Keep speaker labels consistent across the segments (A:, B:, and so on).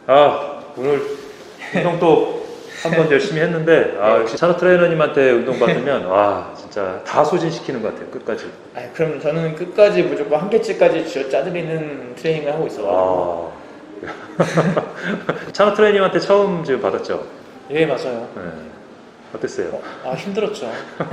A: 오늘 운동 또 한 번 열심히 했는데 역시 찬호 트레이너님한테 운동 받으면 와 진짜 다 소진시키는 것 같아요. 끝까지.
B: 그럼 저는 끝까지 무조건 한계치까지 쥐어 짜드리는 트레이닝을 하고 있어요.
A: 찬호 트레이너님한테 처음 지금 받았죠?
B: 예, 맞아요.
A: 네. 어땠어요?
B: 힘들었죠.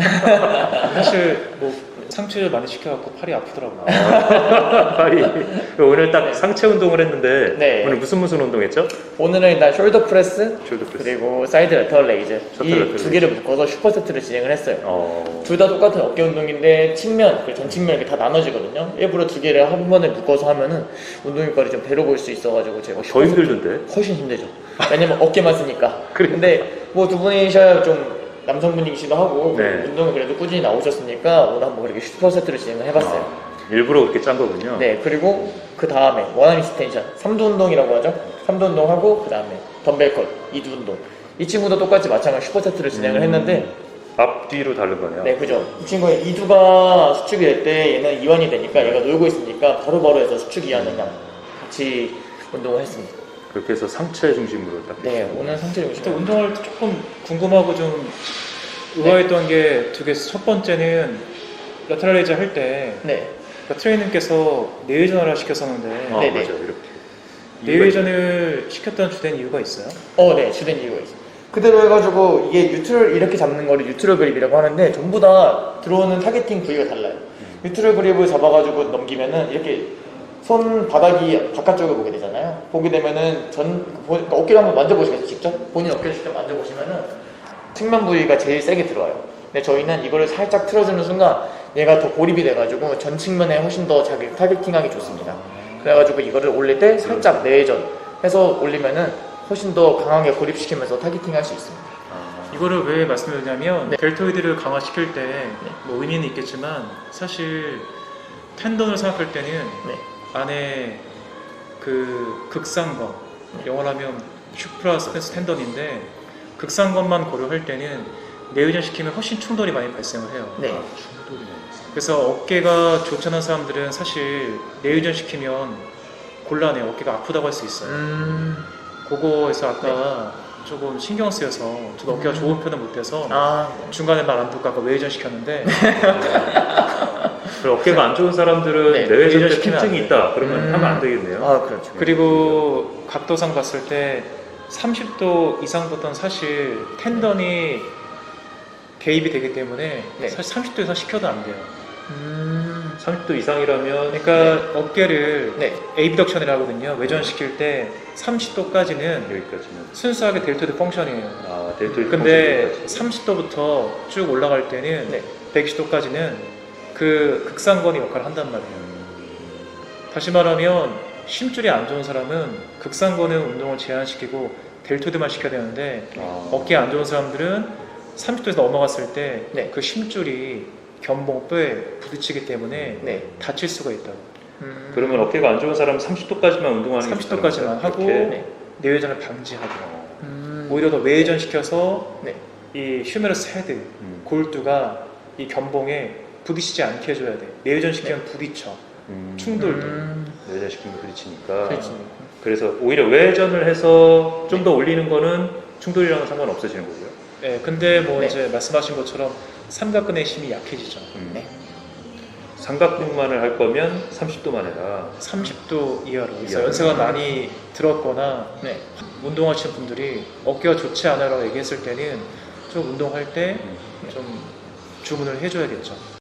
B: 사실 상체를 많이 시켜갖고 팔이 아프더라고요.
A: 팔이. 오늘 딱 상체 운동을 했는데
B: 네.
A: 오늘 무슨 운동했죠?
B: 오늘은 일단 숄더 프레스,
A: 숄더 프레스.
B: 그리고 사이드 레터럴 레이즈 이
A: 레터럴
B: 두 개를 묶어서 슈퍼세트를 진행을 했어요.
A: 어.
B: 둘 다 똑같은 어깨 운동인데 측면, 그리고 전측면 이렇게 다 나눠지거든요. 일부러 두 개를 한 번에 묶어서 하면은 운동 효과를 좀 배로 볼 수 있어가지고 제가
A: 더 힘들던데?
B: 훨씬 힘들죠. 왜냐면 어깨만 쓰니까.
A: 그래.
B: 근데 두 분이셔야 좀 남성분이시기도 하고
A: 네.
B: 운동을 그래도 꾸준히 나오셨으니까 오늘 한번 그렇게 슈퍼세트를 진행을 해봤어요.
A: 일부러 그렇게 짠 거군요.
B: 네, 그리고 그 다음에 원암 익스텐션 3두 운동이라고 하죠. 3두 운동하고 그 다음에 덤벨 컷 2두 운동. 이 친구도 똑같이 마찬가지 슈퍼세트를 진행을 했는데
A: 앞뒤로 다른 거네요.
B: 네, 그죠. 이 친구의 2두가 수축이 될 때 얘는 이완이 되니까 얘가 놀고 있으니까 바로바로 해서 수축 이완을 같이 운동을 했습니다.
A: 그렇게 해서 상체 중심으로 딱.
B: 네, 오늘 상체
C: 또
B: 중심.
C: 운동할 때 조금 궁금하고 좀 의아했던 게 두 개. 첫 번째는 레터럴 레이즈 할 때
B: 네,
C: 트레이너께서 내외전을 시켰었는데
B: 네네.
A: 맞아요. 이렇게.
C: 내외전을 시켰던 주된 이유가 있어요?
B: 네, 주된 이유가 있어요. 그대로 해가지고 이게 뉴트럴 이렇게 잡는 거를 뉴트럴 그립이라고 하는데 전부 다 들어오는 타겟팅 부위가 달라요. 뉴트럴 그립을 잡아가지고 넘기면은 이렇게 손 바닥이 바깥쪽을 보게 되잖아요. 보게 되면은 그러니까 어깨를 한번 만져보시겠어요, 직접? 본인 어깨를 직접 만져보시면은 측면 부위가 제일 세게 들어와요. 근데 저희는 이거를 살짝 틀어주는 순간 얘가 더 고립이 돼가지고 전 측면에 훨씬 더 자기 타겟팅하기 좋습니다. 그래가지고 이거를 올릴 때 살짝 내전 해서 올리면은 훨씬 더 강하게 고립시키면서 타겟팅할 수 있습니다.
C: 이거를 왜 말씀드리냐면
B: 네.
C: 델토이드를 강화시킬 때 의미는 있겠지만 사실 텐던을 생각할 때는 안에 그 극상건, 영어로 하면 슈프라 스펜스 텐던인데 극상건만 고려할 때는 내의전 시키면 훨씬 충돌이 많이 발생을 해요.
B: 네.
A: 충돌이네.
C: 그래서 어깨가 좋지 않은 사람들은 사실 내의전 시키면 곤란해요. 어깨가 아프다고 할 수 있어요. 그거에서 아까 조금 신경 쓰여서 저도 어깨가 좋은 편은 못 돼서 중간에 말 안 듣고 아까 외회전 시켰는데
A: 어깨가 안 좋은 사람들은
B: 네,
A: 내외전 때
B: 시키면 안
A: 통증이
B: 돼요.
A: 있다. 그러면 하면 안 되겠네요.
B: 그렇죠.
C: 그리고 각도상 봤을 때 30도 이상부터는 사실 텐던이 개입이 되기 때문에 사실 30도 이상 시켜도 안 돼요.
A: 30도 이상이라면
C: 그러니까 어깨를
B: 네.
C: 에이비덕션이라고 하거든요. 외전시킬 때 30도까지는
A: 여기까지는.
C: 순수하게 델토이드 펑션이에요.
A: 델토이드
C: 근데
A: 펑션까지.
C: 30도부터 쭉 올라갈 때는 120도까지는 그 극상건이 역할을 한단 말이에요. 다시 말하면 심줄이 안 좋은 사람은 극상건은 운동을 제한시키고 델토이드만 시켜야 되는데 어깨 안 좋은 사람들은 30도에서 넘어갔을 때 그 심줄이 견봉뼈에 부딪히기 때문에 다칠 수가 있다고.
A: 그러면 어깨가 안 좋은 사람은 30도까지만 운동하는 게
C: 30도까지만 하고 내외전을 방지하고 오히려 더 외회전 시켜서 이 휴메러스 헤드, 골두가 이 견봉에 부딪히지 않게 해줘야 돼. 내외전 시키면 부딪혀. 충돌도.
A: 내외전 시키면 부딪히니까.
B: 그렇지.
A: 그래서 오히려 외전을 해서 좀 더 올리는 거는 충돌이랑은 상관없어지는 거고요.
C: 네, 근데 이제 말씀하신 것처럼 삼각근의 힘이 약해지죠.
A: 삼각근만을 할 거면 30도만 해라.
C: 30도 이하로. 그래서
A: 이하로.
C: 연세가 많이 들었거나 운동하시는 분들이 어깨가 좋지 않아라고 얘기했을 때는 좀 운동할 때 좀 주문을 해줘야겠죠.